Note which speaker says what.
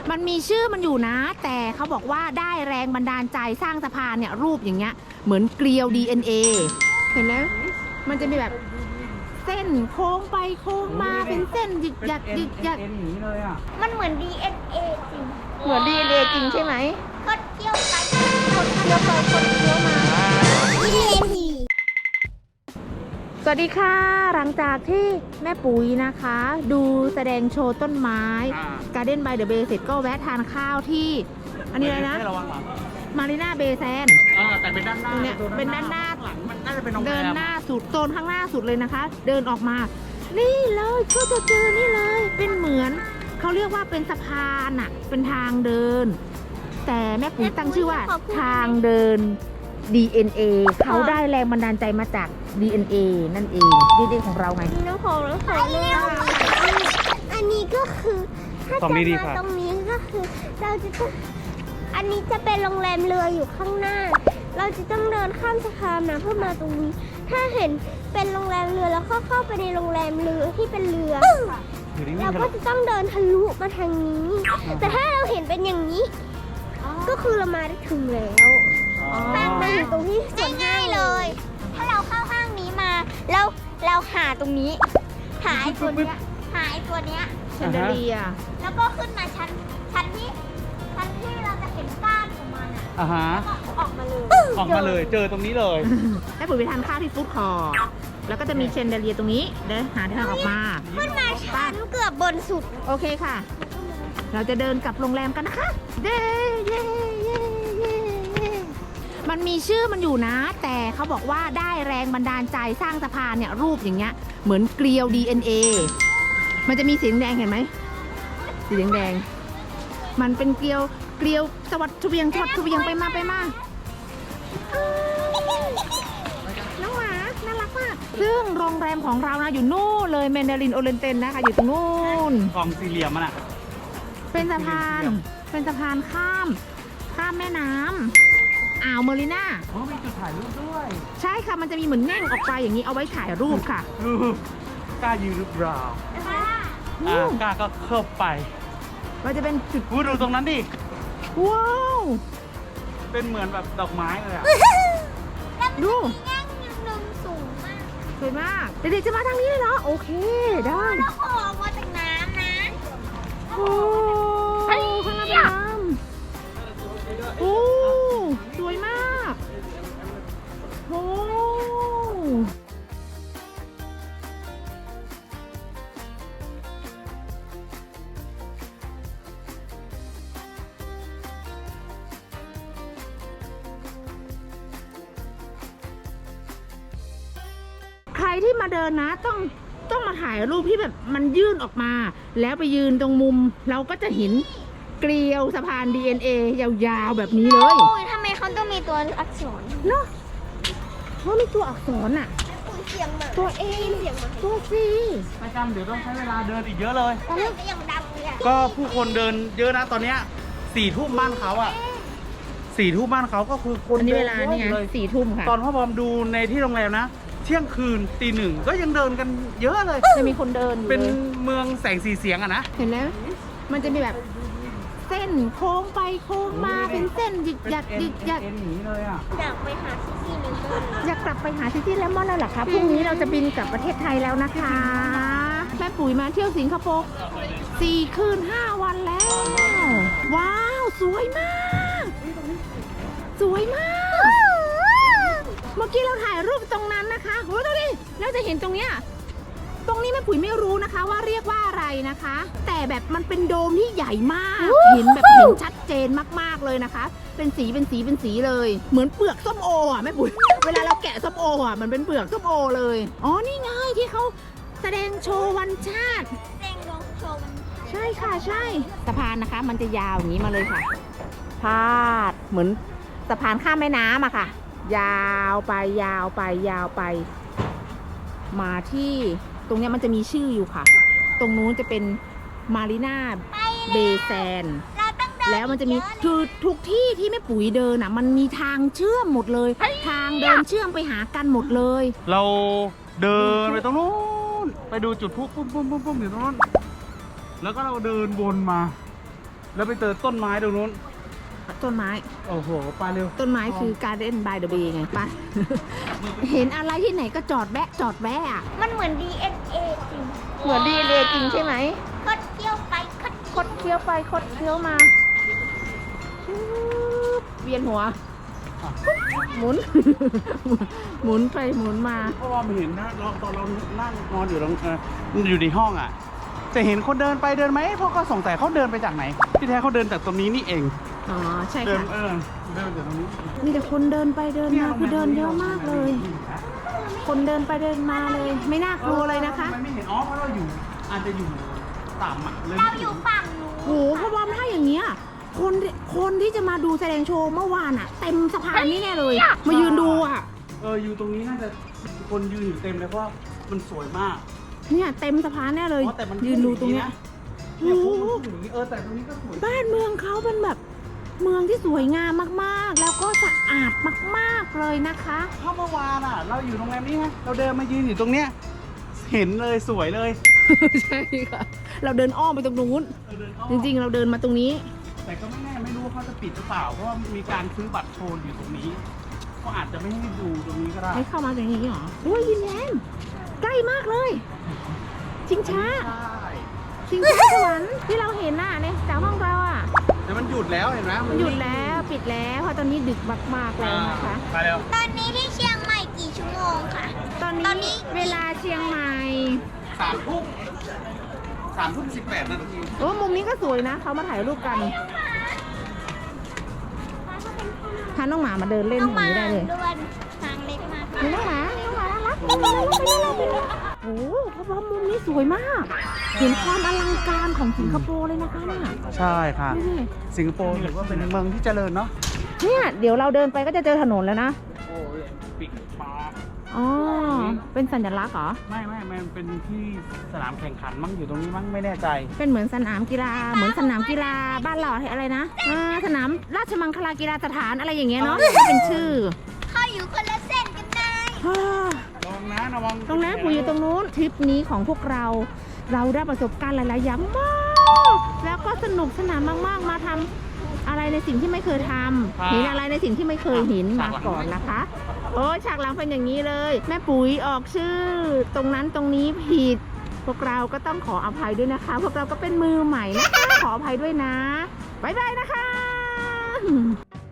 Speaker 1: มันมีชื่อมันอยู่นะแต่เขาบอกว่าได้แรงบันดาลใจสร้างสะพานเนี่ยรูปอย่างเงี้ยเหมือนเกลียว DNA เห็นไหมมันจะมีแบบเส้นโค้งไปโค้งมาเป็นเส้นหยึกหยักหยึกหยัก
Speaker 2: หนีเลยอ่ะ
Speaker 3: มันเหมือน DNA จริง
Speaker 1: เหมือน DNA จริงใช่ไหม
Speaker 3: คดเคี้ยวไป
Speaker 1: คนเคี้ยวไปคนเคี้ยวมา
Speaker 3: DNA
Speaker 1: สวัสดีค่ะหลังจากที่แม่ปุ๋ยนะคะ ดูแสดงโชว์ต้นไม้ Garden by the Bay เสร็จก็แวะทานข้าวที่อันนี้อะไรนะ
Speaker 2: ระวังหลัง
Speaker 1: มารีนาเบย์แซน
Speaker 2: แต่เป็นด้านหน้า
Speaker 1: เนี่ยเป็นด้านหน้า
Speaker 2: หลังมันน่าจะเป็นโรงแรม
Speaker 1: เดินหน้าสุดโซนข้างหน้าสุดเลยนะคะ เดินออกมา นี่เลยก็จะเจอนี่เลย เป็นเหมือนเขาเรียกว่าเป็นสะพานอะเป็นทางเดิน แต่แม่ปุ๋ยตั้งชื่อว่าทางเดิน DNA เขาได้แรงบันดาลใจมาจาก DNA นั่นเอง DNA ของเราไง
Speaker 3: น้ำโขงอันนี้ก็คือถ้าจะมาตรงนี้ก็คือเราจะต้องอันนี้จะเป็นโรงแรมเรืออยู่ข้างหน้า เราจะต้องเดินข้ามสะพานนะเพื่อมาตรงนี้ ถ้าเห็นเป็นโรงแรมเรือแล้วเข้าไปในโรงแรมเรือที่เป็นเรือเราก็จะต้องเดินทะลุมาทางนี้ แต่ถ้าเราเห็นเป็นอย่างนี้ ก็คือเรามาได้ถึงแล้วห้างมันอยู่ตรงที่ง่ายๆเลย ถ้าเราเข้าห้างนี้มาเราหาตรงนี้หาไอ้ตัวเนี้ย
Speaker 1: เชนเดเลีย
Speaker 3: แล้วก็ขึ้นมาชั้นที่เราจะเห็นก้านของมันอ่ะ
Speaker 2: ฮะ
Speaker 3: แล้วก็ออกมาเลย
Speaker 2: ออกมาเลยเจอตรงนี้เลย
Speaker 1: แม่ปุ๋ยไปทานข้าวที่ฟู้ดคอร์ทแล้วก็จะมีเชนเดเลียตรงนี้เดินหาทางออกมา
Speaker 3: ขึ้นมาชั้นเกือบบนสุด
Speaker 1: โอเคค่ะ เราจะเดินกลับโรงแรมกันนะคะเย้เย้เย้เย้เย้มันมีชื่อมันอยู่นะ แต่เขาบอกว่าได้แรงบันดาลใจสร้างสะพานเนี่ยรูปอย่างเงี้ยเหมือนเกลียว DNA มันจะมีสีแดงเห็นไหมสีแดงมันเป็นเกลียวสวัสดิ์เวียงไปมาน้องหมาน่ารักมากซึ่งโรงแรมของเรานะอยู่นู่นเลยแมนดารินโอเรนเตนนะคะอยู่ตรงนู่น
Speaker 2: กล่องสี่เหลี่ยมมันอ่ะ
Speaker 1: เป็นสะพานข้ามแม่น้ำอ่าวเมริน่า
Speaker 2: มีจุดถ่ายรูปด้วย
Speaker 1: ใช่ค่ะมันจะมีเหมือนแง่งออกไปอย่างนี้เอาไว้ถ่ายรูปค่ะ
Speaker 2: กล้ายืนหรือเปล่ากล้าก็เข้าไป
Speaker 1: มันจะเป็นจุด
Speaker 2: ดูตรงนั้นดิ
Speaker 1: ว้าว
Speaker 2: เป็นเหมือนแบบดอกไม้เลยอ่ะ
Speaker 1: ดู
Speaker 3: แง่งหนึ่งสูงมาก
Speaker 1: สวยมากเด็กๆจะมาทางนี้เลยเหรอโอเคได้
Speaker 3: แล้วก็ออกมาจากน้ำนะ
Speaker 1: โอ้ข้างหน้าเป็นน้ำโอ้สวยมากโอ้ใครที่มาเดินนะต้องมาถ่ายรูปที่แบบมันยื่นออกมา แล้วไปยืนตรงมุมเราก็จะเห็นเกลียวสะพาน DNA ยาวๆแบบนี้เลย
Speaker 3: โอ้ยทำไมเขาต้องมีตัวอักษร
Speaker 1: เนาะเพราะมีตัวอักษรอ่ะ
Speaker 3: ปุ๋ยเสียงหมา
Speaker 1: ตัว A
Speaker 3: เสียงหมา
Speaker 1: ตัว C
Speaker 2: ประจำเดี๋ยวต้องใช้เวลาเดินอีกเยอะเลย
Speaker 3: ตอนนี้ก็ยังดังเลยอะ
Speaker 2: ก็ผู้คนเดินเยอะนะตอนเนี้ย4 ทุ่มบ้านเขาอ่ะ4 ทุ่มบ้านเขาก็คือคน
Speaker 1: อันนี้
Speaker 2: เดิ
Speaker 1: เวลานี่ไง
Speaker 2: เลย
Speaker 1: 4 ทุ่มค่ะ
Speaker 2: ตอนพ่อบอมดูในที่โรงแรมนะเที่ยงคืนตี 1ก็ยังเดินกันเยอะเลย
Speaker 1: จะมีคนเดินอยู่
Speaker 2: เป็น
Speaker 1: เลย
Speaker 2: เมืองแสงสีเสียงอะนะ
Speaker 1: เห็นแล้วมันจะมีแบบเส้นโค้งไปโค้งมาเป็นเส้นหยึกหยักหยึกหยัก
Speaker 2: หนีเลยอ่ะ
Speaker 3: อยากไปหาที่นึงเลย
Speaker 1: อยากกลับไปหาซิตี้เลมอนแล้วเหรอคะพรุ่งนี้เราจะบินกลับประเทศไทยแล้วนะคะแม่ปุ๋ยมาเที่ยวสิงคโปร์4 คืน 5 วันแล้ว ว้าวสวยมากสวยมากเมื่อกี้เราถ่ายรูปตรงนั้นนะคะโอ้ดูดิเราจะเห็นตรงเนี้ยตรงนี้แม่ปุ๋ยไม่รู้นะคะว่าเรียกว่าอะไรนะคะ แต่แบบมันเป็นโดมที่ใหญ่มากเห็นแบบเห็นชัดเจนมากๆเลยนะคะ เป็นสีเลยเหมือนเปลือกส้มโออ่ะแม่ปุ๋ยเวลาเราแกะส้มโออ่ะมันเป็นเปลือกส้มโอเลยอ๋อนี่ไงที่เขาแสดงโชว์วันชาติ
Speaker 3: เร่งลงโชว์มัน
Speaker 1: ใช่ค่ะใช่สะพานนะคะ มันจะยาวอย่างนี้มาเลยค่ะพาดเหมือนสะพานข้ามแม่น้ำอะค่ะ ยาวไปมาที่ตรงเนี้ยมันจะมีชื่ออยู่ค่ะ ตรงนู้นจะเป็นมารีนาเบย์แซน
Speaker 3: เราต้องเดิน
Speaker 1: แล้วมันจะมีทุกที่ที่แม่ปุ๋ยเดินอ่ะมันมีทางเชื่อมหมดเลย ทางเดินเชื่อมไปหากันหมดเลย
Speaker 2: เราเดินไปตรงนู้นไปดูจุดพลุปุ้มอยู่ตรงนู้นแล้วก็เราเดินวนมาแล้วไปเจอต้นไม้ตรงนู้น
Speaker 1: ต้นไม้
Speaker 2: โอ้โหไปเร็ว
Speaker 1: ต้นไม้คือ Garden by the Bay ไงไป เห็นอะไรที่ไหนก็จอดแวะอะ
Speaker 3: มันเหมือน DNA จริง
Speaker 1: เหมือนดีเลยจริงใช่ไหม
Speaker 3: คดเคี้ยวไปคด
Speaker 1: คดเคี้ยวไปคดเคี้ยวมาชืบเวียนหัว หมุน หมุนไปหมุนมา
Speaker 2: เพราะว่ามันเห็นนะตอนเรานั่งนอนอยู่ตรงอยู่ในห้องอ่ะ จะเห็นคนเดินไปเดินไหมเพราะก็สงสัยเขาเดินไปจากไหน ที่แท้เขาเดินจากตรงนี้นี่เอง
Speaker 1: อ๋อใช่
Speaker 2: เดิน
Speaker 1: ค่ะ
Speaker 2: เดินจากตรงนี้
Speaker 1: มีแต่คนเดินไปเดินมาคือเดินเยอะมากเลย คนเดินไปเดินมาเลย ไม่น่ากลัวเลยนะคะ
Speaker 2: ทำไมไม่เห็นอ๋อเพราะเราอยู่อาจจะอยู่ต่ำอ่ะเลย
Speaker 3: เราอยู่ฝั่งนู้น
Speaker 1: โหเพราะว่าถ้าอย่างเงี้ยคนที่จะมาดูแสดงโชว์เมื่อวานอะเต็มสะพานนี่แน่เลย มายืนดูอะ
Speaker 2: อยู่ตรงนี้น่าจะคนยืนอยู่เต็มเลยเพราะว่ามันสวยมาก
Speaker 1: เนี่ยเต็มสะพานแน่เลย
Speaker 2: อ๋อแต่มัน
Speaker 1: ยืนดูตรงเนี้ย
Speaker 2: เนี่ย
Speaker 1: โอ้
Speaker 2: พวก
Speaker 1: โห
Speaker 2: มันอย่างนี้แต่ตรงนี้ก็สวย
Speaker 1: บ้านเมืองเขาเป็นแบบเมืองที่สวยงามมากๆ แล้วก็สะอาดมากๆเลยนะคะ
Speaker 2: ถ้าเมื่อวานอ่ะ เราอยู่โรงแรมนี้ไงเราเดินมายืนอยู่ตรงเนี้ยเห็นเลยสวยเลย
Speaker 1: ใช่ค่ะ เราเดินอ้อมไปตรงนู้น
Speaker 2: เดินอ้อม
Speaker 1: จริงๆ เราเดินมาตรงนี้
Speaker 2: แต่ก็ไม่แน่ไม่รู้ว่าเขาจะปิดหรือเปล่าเพราะว่ามีการซื้อบัตรโชว์อยู่ตรงนี้ก็อาจจะไม่ให้ดูตรงนี้ก็ได้
Speaker 1: ไม่เข้ามาตรงนี้หรอด้วยยินแย้มใกล้มากเลย ชิงช้า
Speaker 2: ใช่
Speaker 1: ชิงช้าสวรรค์ที่เราเห็นน่ะในจากห้องเราอ่ะ
Speaker 2: แต่มันหยุดแล้วเห็นไหม
Speaker 1: มันหยุดแล้วปิดแล้วเพราะตอนนี้ดึกมากๆแล้วนะคะ
Speaker 2: ไปเร็ว
Speaker 3: ตอนนี้ที่เชียงใหม่กี่ชั่วโมงคะ
Speaker 1: ตอน
Speaker 3: ตอนนี้
Speaker 1: นี้เวลาเชียงใหม่
Speaker 2: 3:18 นาที
Speaker 1: โอ้มุมนี้ก็สวยนะเขามาถ่ายรูปกันพาน้องหมามาเดินเล่น
Speaker 3: ต้อง
Speaker 1: ตรง
Speaker 3: มา
Speaker 1: นี้ได้เลย
Speaker 3: ด้วยทางเล็กมาก
Speaker 1: มีน้องหมาน่ารักไปเลยโอ้เพราะว่ามุมนี้สวยมาก เห็นความอลังการของสิงคโปร์เลยนะคะเนี่ย
Speaker 2: ใช่ค่ะ
Speaker 1: ดูดิ
Speaker 2: สิงคโปร์ถือว่าเป็นเมืองที่เจริญเนาะ
Speaker 1: เนี่ยเดี๋ยวเราเดินไปก็จะเจอถนนแล้วนะ
Speaker 2: โอ้ยปิดปา
Speaker 1: อ๋อเป็นสัญลักษณ์เหรอ
Speaker 2: ไม่มันเป็นที่สนามแข่งขันมั้งอยู่ตรงนี้มั้งไม่แน่ใจ
Speaker 1: เป็นเหมือนสนามกีฬาเหมือนสนามกีฬาบ้านเราอะไรนะสนามราชมังคลากีฬาสถานอะไรอย่างเงี้ยเนาะเป็นชื่อ
Speaker 3: ๆเขาอยู่คนละเส้นกันได้
Speaker 2: ระวังนะระวัง
Speaker 1: ตรงนั้นปู่อยู่ตรงนู้นทริปนี้ของพวกเราได้ประสบการณ์หลายๆอย่างมาก แล้วก็สนุกสนานมากๆมาทำอะไรในสิ่งที่ไม่เคยทำเห็นอะไรในสิ่งที่ไม่เคยเห็นมาก่อนนะคะ โอ้ฉากหลังเป็นอย่างนี้เลย แม่ปุ๋ยออกชื่อ ตรงนั้นตรงนี้ผิด พวกเราก็ต้องขออภัยด้วยนะคะ พวกเราก็เป็นมือใหม่นะคะขออภัยด้วยนะบ๊ายบายนะคะ